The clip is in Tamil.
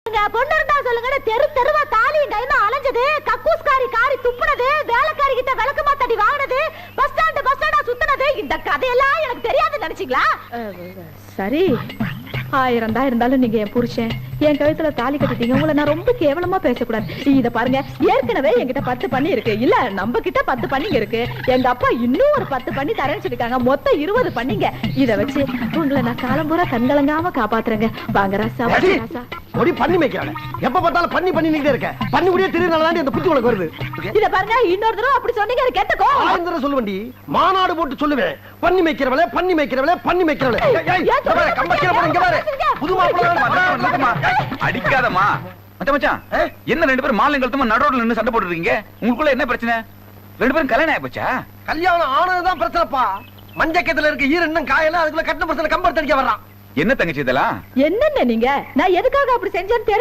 பொண்ணு இருந்தா சொல்லுங்க. தெரு தெருவா தாலியும் கைமா அலைஞ்சது, கக்கூஸ்காரி காரி துப்புனது, வேலைக்காரி கிட்ட விளக்கு மாத்தடி வாங்கினது, பஸ் ஸ்டாண்டா சுத்தினது, இந்த கதையெல்லாம் எனக்கு தெரியாது நினைச்சீங்களா? சரி, 1000 தான் இருந்தாலும் நீங்க என் புருஷன், என் கழுத்துல தாலி கட்டிட்டீங்க. உங்களை நான் ரொம்ப கேவலமா பேசக்கூடாது. இத பாருங்க, ஏற்கனவே என்கிட்ட 10 பண்ணி இருக்கு. இல்ல, நம்ம கிட்ட 10 பண்ணிங்க இருக்கு. எங்க அப்பா இன்னும் ஒரு 10 பண்ணி தரேன்னு சொல்லிருக்காங்க. மொத்தம் 20 பண்ணிங்க. இத வச்சு உங்களை நான் காலம்பூரா கண்கலங்காம காப்பாத்துறேங்க. வாங்க ராசா, ராசா. ஒடி பண்ணி மேய்க்கிறானே. எப்ப பார்த்தாலும் பண்ணி நிக்கிட்டே இருக்க. பண்ணி முடிய திருநாளதான் இந்த புத்தி உனக்கு வருது. இத பாருங்க, இன்னொரு தடவை அப்படி சொன்னீங்க கேட்டக்கோ. ஆந்திர சொல்லுவண்டி, மாநாடு போட்டு சொல்லுவேன். பண்ணி மேய்க்கிறவளே, பண்ணி மேய்க்கிறவளே, பண்ணி மேய்க்கிறவளே. கம்பக்கிற போற இங்க பாரு. புது மாப்பிள்ளை அடிக்காதமா. மச்சான், என்ன 2 பேரும் மாலை கழுத்தமா நடுரோட்ல நின்னு சண்டை போட்டுறீங்க? உங்களுக்குள்ள என்ன பிரச்சனை? 2 பேரும் கல்யாணம் ஆயிப்போச்சா? கல்யாணம் ஆனதுதான் பிரச்சனைப்பா. மஞ்சக்கத்துல இருக்க ஈர இன்னும் காயல, அதுக்குள்ள கட்டின பிரச்சனை கம்பர் தடிக்க வர்றான். என்ன தங்கச்சி இதெல்லாம்? என்னென்ன நீங்க? நான் எதுக்காக அப்படி செஞ்சேன்னு